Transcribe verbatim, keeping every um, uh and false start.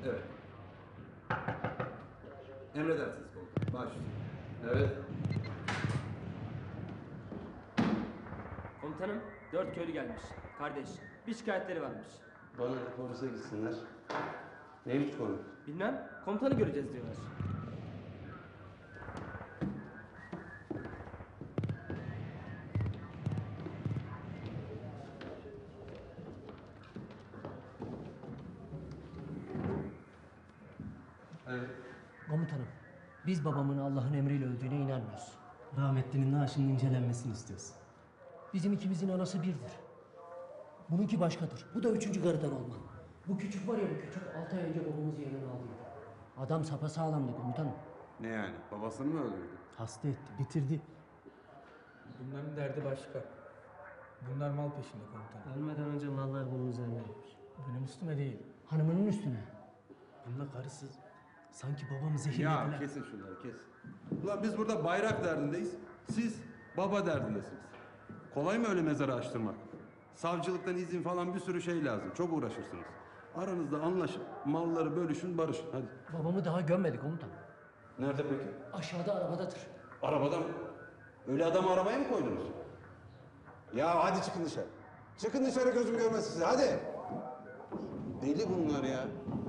Evet. Emredersiniz komutanım. Baş üstüne. Evet. Komutanım, dört köylü gelmiş. Kardeş, bir şikayetleri varmış. Bana da polise gitsinler. Neymiş konu? Bilmem, komutanı göreceğiz diyorlar. Evet. Komutanım, biz babamın Allah'ın emriyle öldüğüne inanmıyoruz. Rahmetlinin naaşının incelenmesini istiyoruz. Bizim ikimizin anası birdir. Bununki başkadır. Bu da üçüncü karıdan olma. Bu küçük var ya bu küçük, altı ay önce babamızı yanına aldı. Adam sapasağlamdı komutanım. Ne yani? Babasını mı öldürdü? Hasta etti, bitirdi. Bunların derdi başka. Bunlar mal peşinde komutanım. Ölmeden önce mallar bunun üzerineymiş. Benim üstüme değil. Hanımının üstüne. Bununla karısı sanki babamı Ya zehirlediler. kesin şunları kes. Ulan biz burada bayrak derdindeyiz. Siz baba derdindesiniz. Kolay mı öyle mezarı açtırmak? Savcılıktan izin falan bir sürü şey lazım. Çok uğraşırsınız. Aranızda anlaşıp malları bölüşün barışın. Hadi. Babamı daha gömmedik komutanım. Nerede peki? Aşağıda arabadadır. Arabada mı? Öyle adamı arabaya mı koydunuz? Ya hadi çıkın dışarı. Çıkın dışarı gözüm görmesin sizi hadi. Deli bunlar ya.